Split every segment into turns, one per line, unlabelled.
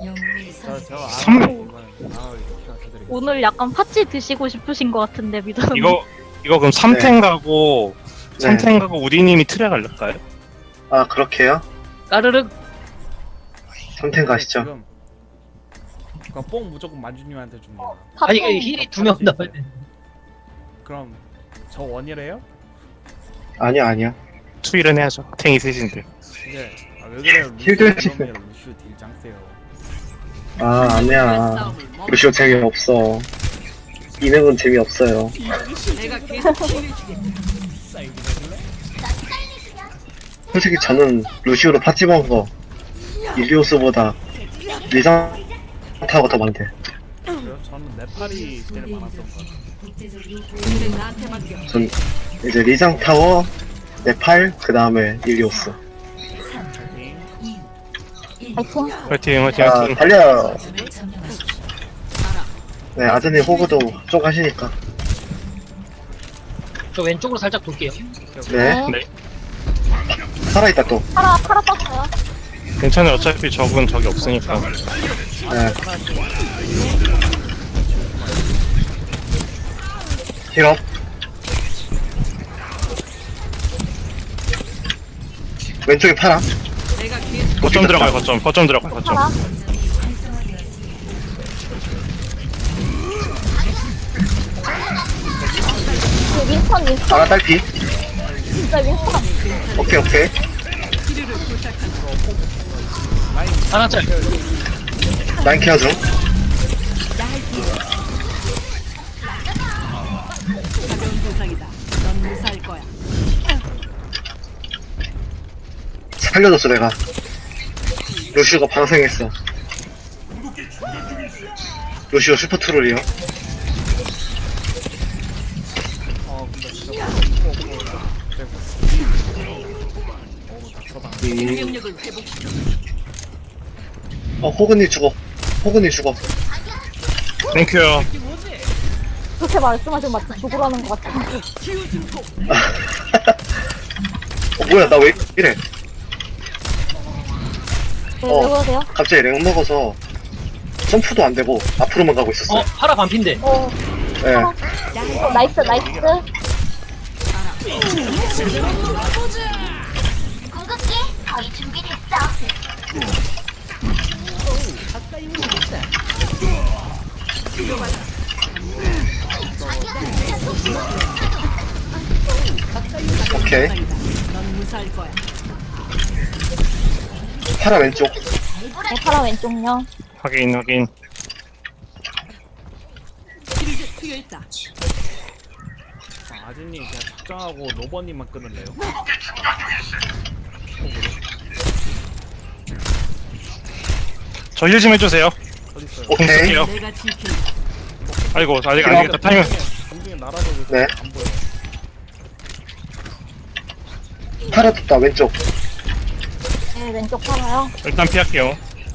저
삼-
오늘 약간 팥찌 드시고 싶으신 것 같은데 미도님.
이거 그럼 3탱 가고
네.
3탱 가고 우디님이 틀에 갈릴까요?
아, 그렇게요?
까르륵.
3탱 가시죠.
지금 그럼 뽕 무조건 만주님한테 줍니다.
아니 이게 힐이 2명 나와야 돼.
그럼 저 원이래요?
아니야.
투일은 해야죠. 탱이 셋인데.
이제 왜 그래요?
힐들
루슈 딜장 세요.
아, 아니야. 루시오 재미없어. 이능은 재미없어요. 솔직히 저는 루시오로 파티 먹은 거 일리오스보다 리장 타워가 더 많대.
그래요? 저는 네팔이 제일 많았던 것 같아요.
전 이제 리장 타워, 네팔, 그 다음에 일리오스.
파이팅.
화이팅 화이팅
자,
화이팅.
달려. 네, 아드님 호구도 쪽 하시니까.
저 왼쪽으로 살짝 돌게요.
네,
네.
살아있다 또.
파라 떴어요.
괜찮아요. 어차피 적은 적이 없으니까.
네. 힐업. 왼쪽에 파라.
거점 들어가요. 거점 들어가요. 거점.
파라. 윈스턴
파라 딸피.
진짜 윈스턴.
오케이.
하나 짤.
라인 케어 중. 살려줬어 내가. 루시오가 방생했어. 루시오 슈퍼 트롤이요.
근데 진짜
호그님 죽어.
땡큐요.
그렇게 말씀하시면 마치 죽으라는 것 같아요.
뭐야 나 왜 이래.
네, 왜 그러세요?
갑자기 렉 먹어서 점프도 안 되고 앞으로만 가고 있었어요.
파라 반핀데.
네.
나이스.
궁극기 거의 준비됐어.
오케이. 파라 왼쪽.
네, 파라 왼쪽요.
확인.
아진님 그냥 작정하고 노버님만 끊을래요?
저 힐 좀 해주세요.
어딨어요?
공
오케이.
쓸게요. 아이고 아직 안 되겠다. 타이밍.
공중에 날아도
네.
안 보여.
파라 떴다 왼쪽.
네, 왼쪽 파라요.
일단 피할게요.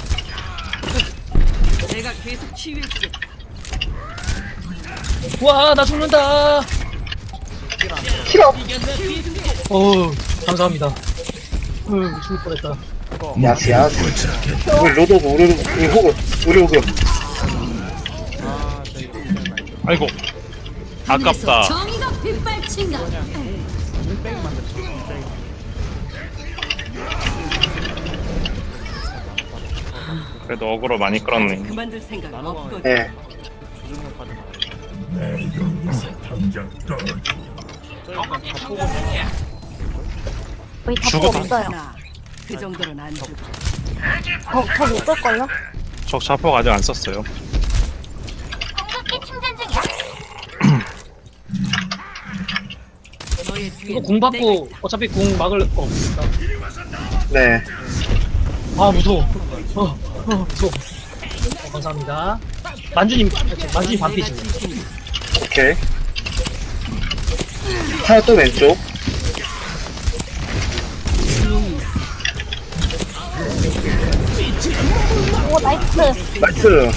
와, 나 죽는다.
힐업.
어우, 감사합니다. 죽을 뻔했다.
야스. 우리 로드오브 우리 호그.
아, 저희
아이고. 아깝다.
정의가 빗발친다.
물병 만들었어. 물병.
그래도 어그로 많이 끌었네.
그만둘 생각 없거든.
네.
조준력 받은 거. 저 일단 다 보고
거의 다
죽어도
없어요.
그 정도는 안 주고.
저못 끌걸요?
적 자폭 아직 안 썼어요.
궁극기 충전 중이야.
너의 뒤에
이거 궁 받고 어차피 궁 막을 거 없으니까.
네.
아 무서워. 무서워. 감사합니다. 만주님 반피지.
오케이. 파라 또 왼쪽.
오, 나이스.
나이스.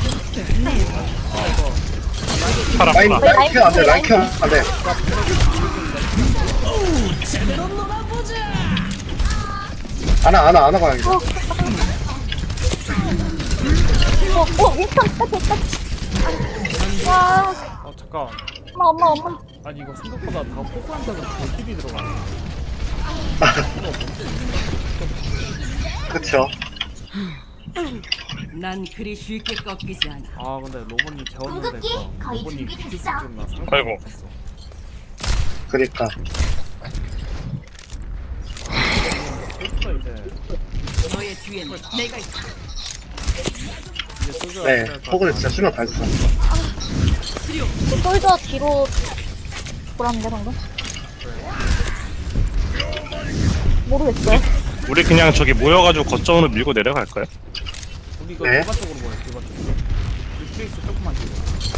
파라.
라인 케어 안돼. 라인 케어 안돼. 안아 가야겠다.
윈스턴 딱. 와,
잠깐.
엄마.
아니 이거 생각보다 다 포크한테도 딜이 들어가네.
그쵸.
난 그리 쉽게 꺾이지 않아.
아 근데 로봇님 재웠는데
공격기 거의
로봇님
준비됐어.
딜 좀나
아이고.
그니까.
포크가 이제
너의 뒤에는 내가 있다.
이제 소주가
네, 포그는 진짜 수면 다 했어.
솔저 뒤로 돌았는데 방금? 모르겠어요.
우리 그냥 저기 모여가지고 거점으로 밀고 내려갈까요?
우리 이거
네.
디바 쪽으로 모여 디바 쪽으로. 리프레이스 조금만 뒤로.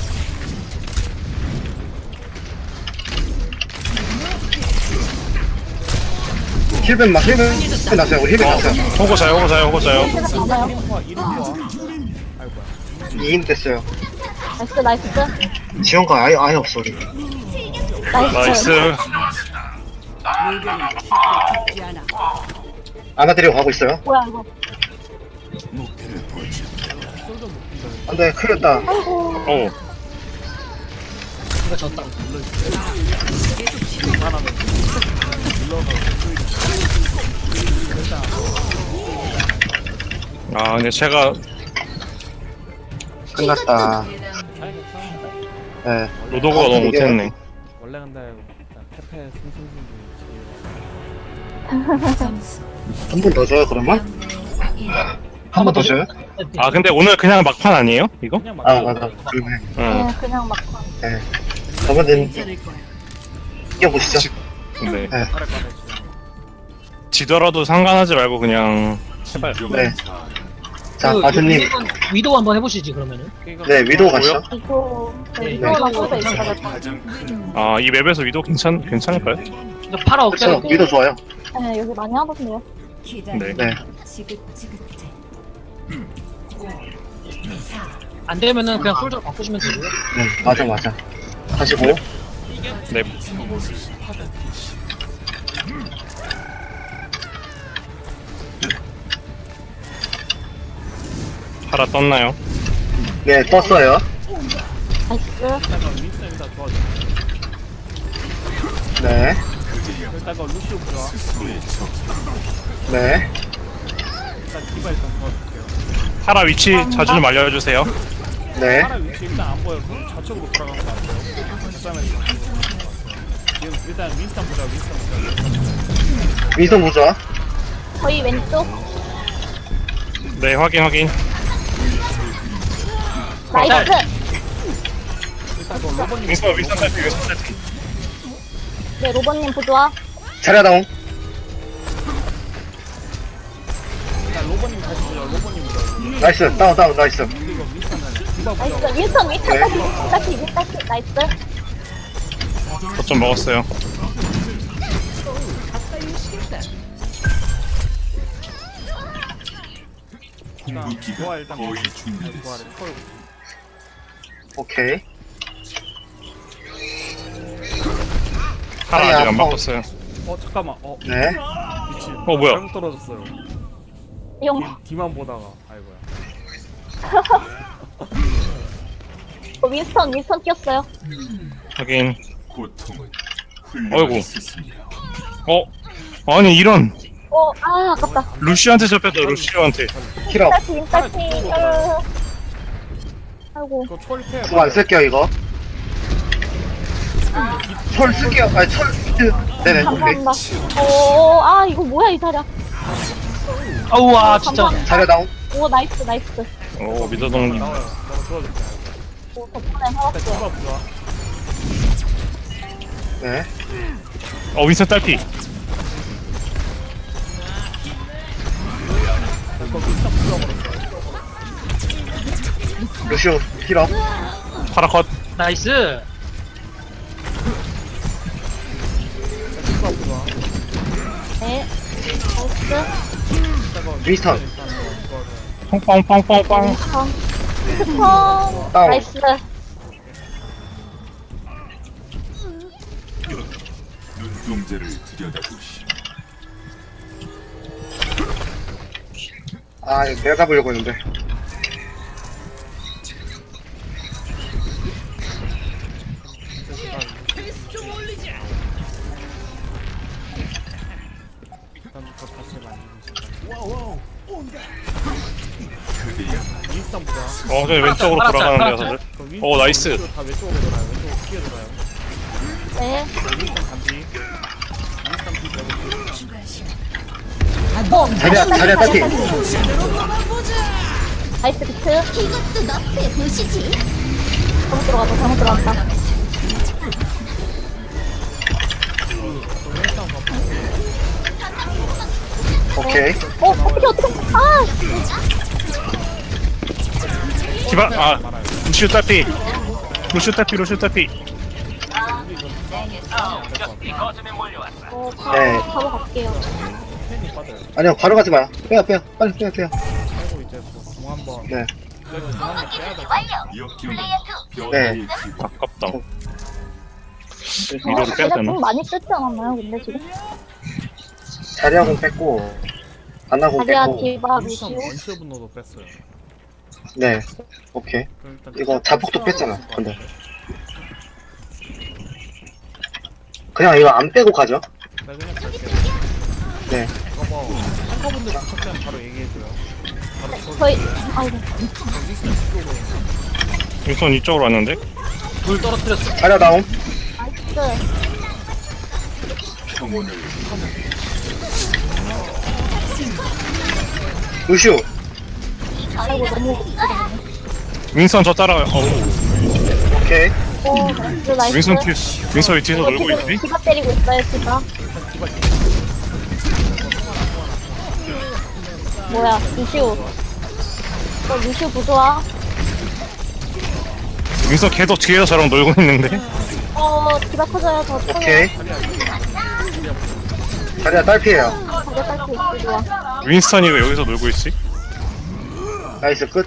힐벤 났어요. 우리 힐벤 났어요.
호구 자요.
힐벤 많아요.
이름 좋아 이름 좋아. 아이고야.
2인 됐어요.
나이스.
지원가 아예 없어, 우리.
나이스.
물건은 쉽게 죽지 않아.
안아드리고 가고 있어요.
뭐야 이거?
안 돼, 큰일 났다.
오.
이거 졌다.
아 근데 제가
끝났다. 네.
로도가 너무 못했네.
원래 근데 페페 승승승승.
한 번 더 줘요, 그러면? 한 번 더 줘요?
아 근데 오늘 그냥 막판 아니에요? 이거?
그냥
아,
막.
맞아. 그러네.
응.
네, 그냥 막.
네. 저번엔
괜찮을 거야.
이겨보시죠.
네.
아래 꺼내 지금.
지더라도 상관하지 말고 그냥 해봐요.
네. 자, 아드님.
위도우 한번 해보시지 그러면은.
네, 위도우 가시죠.
이거
네.
이거랑 솔저 있어야 될것 같아요.
이 맵에서 위도 괜찮을까요?
이거 팔아
그쵸,
억제로.
위도우 좋아요.
네, 여기 많이 하던데요.
네.
네.
안 되면은 그냥 솔저로 바꾸시면 되고요.
맞아. 가시고.
네. 팔아 떴나요?
네, 떴어요.
나이스.
일단 윈스 일단 도와줘.
네.
일단 그 루시오 좋아.
네.
일단 디바 일단 도와줄게요.
팔아 위치 자주 좀 알려주세요.
네.
파라 위치 일단 안 보여. 좌측으로 돌아가면 안 돼요. 그다음에 지금 일단 윈스턴 보자.
윈선 보자.
저희 왼쪽.
네 확인.
나이스.
일단 그 로봇님
윈선 탈피.
네, 로봇님 부조화.
차례다운.
일단 로봇님 다시 보자. 로봇님 보자.
나이스. 다운, 나이스.
이거 윈스턴은 디바 보자.
나이스. 윈스턴 다시. 나이스.
거점 먹었어요.
일단 좋아 일단 좋아를 털고.
오케이.
팔아 아직 안 바꿨어요.
잠깐만.
네.
미친.
뭐야?
잘못 떨어졌어요.
용.
뒤만 보다가 아이고야.
윈스턴 뛰었어요.
확인. 어이구. 아니 이런
아깝다.
루시한테 잡혔다. 루시한테.
힐업.
윈스턴. 아이고.
이거 초월패.
그거 안 쓸게요, 이거. 철 쓸게요. 철. 네네, 오케이.
감사합니다. 이거 뭐야 이 자리야.
아우와 진짜.
차례다운.
오, 나이스.
오 미더동님.
나와요. 너무 도와줄게.
오, 덕분에
일단
살았어요.
디바 보자.
네.
윈선 딸피.
이거 윈스턴 부숴버렸어.
루시오 힐업.
팔아 컷.
나이스.
디바 보자.
네. 나이스.
윈스턴.
펑펑펑펑펑.
스턴.
다운.
나이스.
눈동자를 들여다보시.
이거 내가 잡으려고 했는데.
윈스턴 보자.
저기 왼쪽으로
팔았자,
돌아가는데요,
팔았자.
다들.
그럼
오, 나이스.
다 왼쪽으로 돌아요. 왼쪽으로 피해 돌아요.
네.
윈스턴 반피. 윈스턴 피 빼고.
자리야 딸피.
나이스 비트.
이것도 너프에 보시지.
잘못 들어갔다.
오케이.
어떻게. 아!
디바, 루시우 딸피. 루시우 딸피, 루시우 딸피.
네.
바로 갈게요.
팬이 빠져요.
아니요 바로 가지 마요. 빼요. 빨리 빼요.
그리고 이제 공 한번.
네.
공 한번 빼야 돼.
역경
플레이어 2.
변화의 기회.
아깝다. 위로를 빼야
제가
되나?
좀 많이 쓰지 않았나요, 근데 지금?
자리하고 뺐고 안나고
자리아
뺐고.
디바
윈스턴
루시오.
원슈 분노도 뺐어요.
네. 오케이.
그럼 일단
이거 자폭도 뺐잖아, 근데. 그냥 이거 안 빼고 가죠.
나 그냥 갈게요.
네.
이거 뭐 탱커분들 부탁하면 바로 얘기해줘요. 바로 저
저희, 아이고.
윈스턴 뒤쪽으로.
윈선 이쪽으로 왔는데?
불 떨어뜨렸어.
자리야 나옴.
나이스.
평온을
루시오.
아이고, 너무.
윈선 저 따라와요.
오케이.
오, 나이스, 나이스.
윈선 윈선이 뒤에서 놀고
지금
있지?
디바 때리고 있어요, 디바. 뭐야, 루시오. 루시오 부조화.
윈선 계속 뒤에서 저랑 놀고 있는데?
디바 터져요, 더 터져요.
오케이. 자리야 딸피에요.
가게 딸수 있고, 좋아.
윈스턴이 왜 여기서 놀고 있지?
나이스 끝.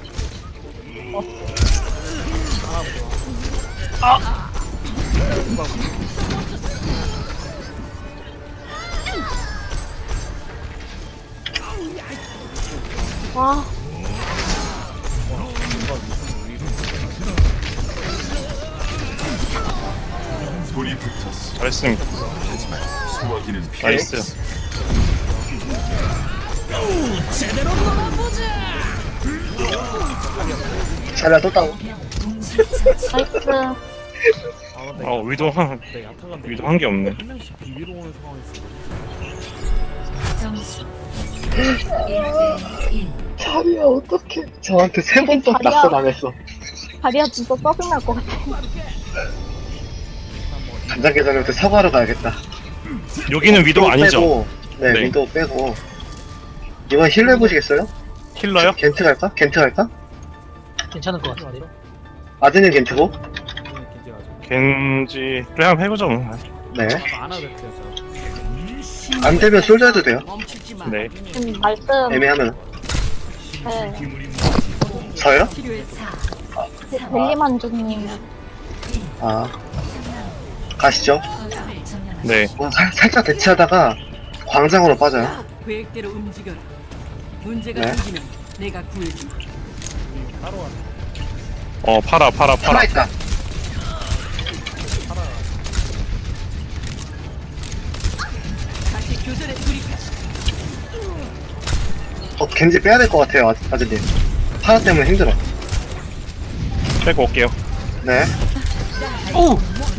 와,
불이 붙었어.
잘했습니다.
소화기는 피해.
나이스.
자리야 또 다운.
나이스.
아 근데
위도 한,
네, 야타간데
위도 한 게 없네.
한 명씩 비비로 오는 상황이 있어.
점수 1대1.
자리야 어떡해. 저한테 세 번 또
자리야.
낙서당했어.
다리야 진짜 짜증날 것 같아.
간장게장한테 사과하러 가야겠다.
여기는 위도 아니죠?
빼고, 네,
네.
위도 빼고. 이번 힐러 해보시겠어요?
킬러요?
겐트 갈까? 겐트 갈까?
괜찮을 것 같은데.
아드는 겐트고?
그냥 기지가지고.
겐지. 그래, 한번 해보죠. 뭐.
네.
안 하도 돼요 저.
안 되면 솔져 해도 돼요.
멈추지 마.
네.
말씀.
애매하면.
네.
저요?
벨리만주님.
아. 가시죠.
네.
살짝 대치하다가 광장으로 빠져요.
계획대로 움직여라. 문제가
네.
생기면 내가 구해줄.
따로 왔네.
팔아.
살아있다.
다시 교전에 돌입해.
겐지 빼야 될 것 같아요, 아드님. 파라 때문에 힘들어.
빼고 올게요.
네.
오!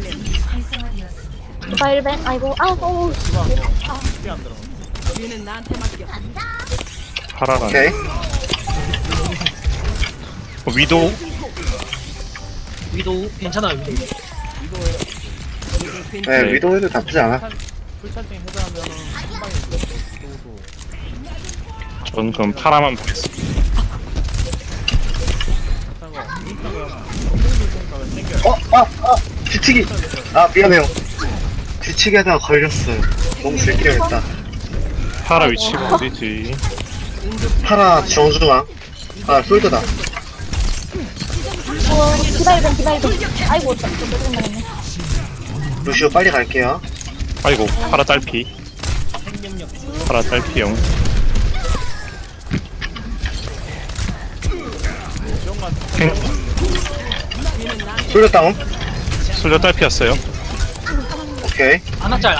디바 1벤. 아이고, 아우.
피안 들어.
뒤는 나한테 맡겨.
파라가.
오케이.
위도.
위도 괜찮아요, 위도.
네,
네.
위도 해도 나쁘지 않아.
풀찰팅 해제하면은 한 방에 이겼어. 또도.
전 그럼 파라만 보겠습니다.
야타가 윈스턴가 성공들 생각을 챙겨요.
뒤치기! 아, 미안해요. 뒤치기 하다가 걸렸어요. 너무 즐겨했다.
파라 위치가 어디지?
파라 정중앙. 아, 솔드다.
디바 1벤. 아이고, 진짜 짜증나네.
루시오 빨리 갈게요.
아이고, 파라 딸피. 파라 딸피용.
솔드 다운.
솔저 딸피였어요.
오케이.
안아짤.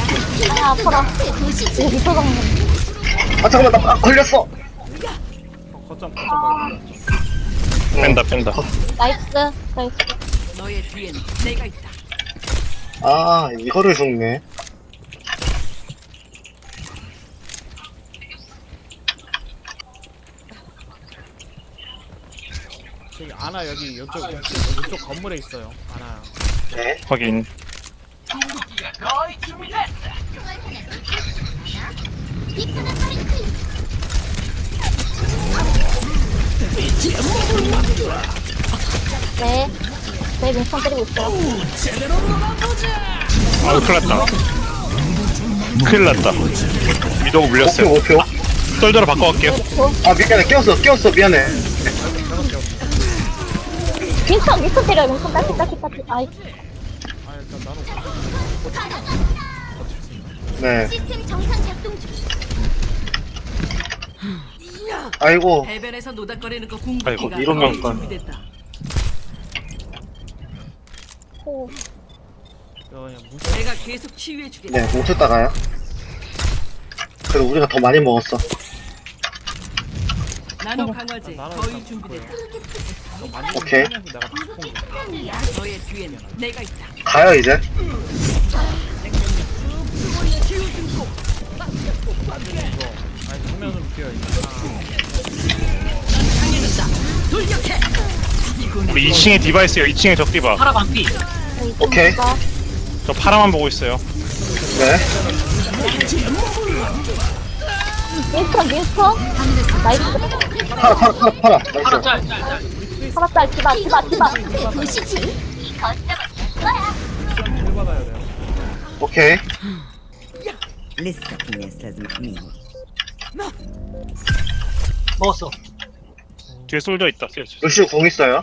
아, 아파라. 이거 미쳐장면.
아, 잠깐만, 나 걸렸어!
거점 봐야
뺀다 뺀다.
나이스. 나이스.
너의 뒤에는 내가 있다.
아, 이거를 죽네.
저기 아나 여기 이쪽 건물에 있어요. 아나.
네.
확인.
네. 네, 민선 때리고 있어요.
아우 큰일 났다. 큰일 났다. 위도우 물렸어요.
목표.
솔저로 바꿔갈게요.
아, 미안해. 깨웠어. 미안해.
민선 때려요. 민선 딸피. 아이,
아 일단 나는
네.
시스템 정상 작동 중.
아이고.
해변에서 노닥거리는 거
아이고,
궁극기가
이러면
거의 준비됐다.
호.
그냥 무슨
내가 계속 치유해주겠다.
네, 뭉쳤다가요. 그래도 우리가 더 많이 먹었어.
나노 강화제
나는
거의
일단
준비됐다.
많이
오케이.
하면서 내가 다 본 거야.
너의 뒤에는 내가 있다.
가요, 이제.
아니 정면 좀 비어 있어.
돌격해.
우리 2층에 디바 있어요. 2층에 적 디바.
파라 반피.
오케이.
저 파라만 보고 있어요.
네.
민선. 나이스.
팔아.
파라
나이스.
짤.
살았다. 디바.
앞에 보시지.
힐 받아야 돼요.
오케이.
لسه في ناس لازم تميل.
먹었어.
뒤에 솔저 있다.
루시우 공 있어요.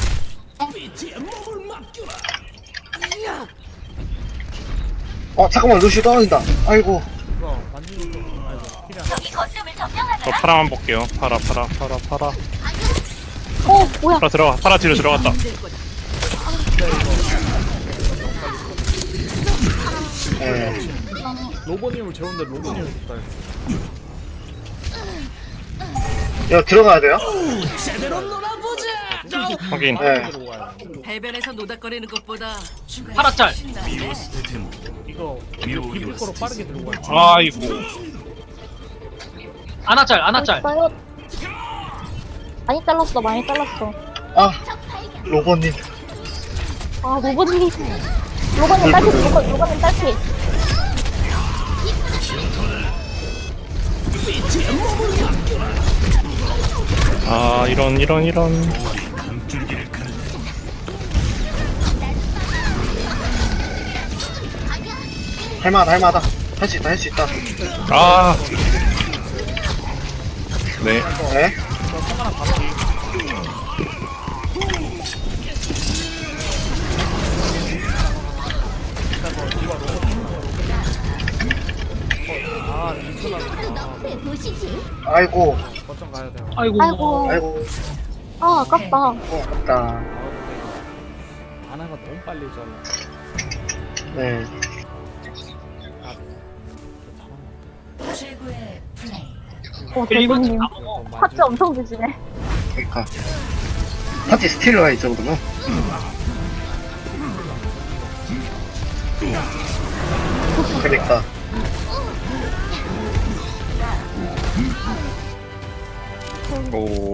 잠깐만. 루시우 떨어진다. 아이고.
이거 만지는 거 아이고 힐이 안
저 파라만 볼게요. 파라.
뭐야.
파라 뒤로 들어갔다.
네.
로보님을 재운데 로보님을 못 따요.
이거 들어가야 돼요?
확인.
네.
들어와요.
해변에서 노닥거리는 것보다
파라 짤.
이거 비빌 거로 빠르게 들고 와요.
아이고.
아나 짤.
있어요. 많이 잘랐어.
아, 로버님.
아, 로봇님 딸피.
아 이런.
할만하다. 할 수 있다.
아. 네.
네.
아 민선아.
앞에 보시지.
아이고.
거점 가야 돼요.
아이고.
아이고.
아, 아깝다.
아깝다.
아 근데 아나가 너무 빨리 잘라.
네.
대표님.
다 먹어.
파츠 엄청 드시네.
그러니까. 파티 스틸러야, 이 정도면. 그러니까.
오.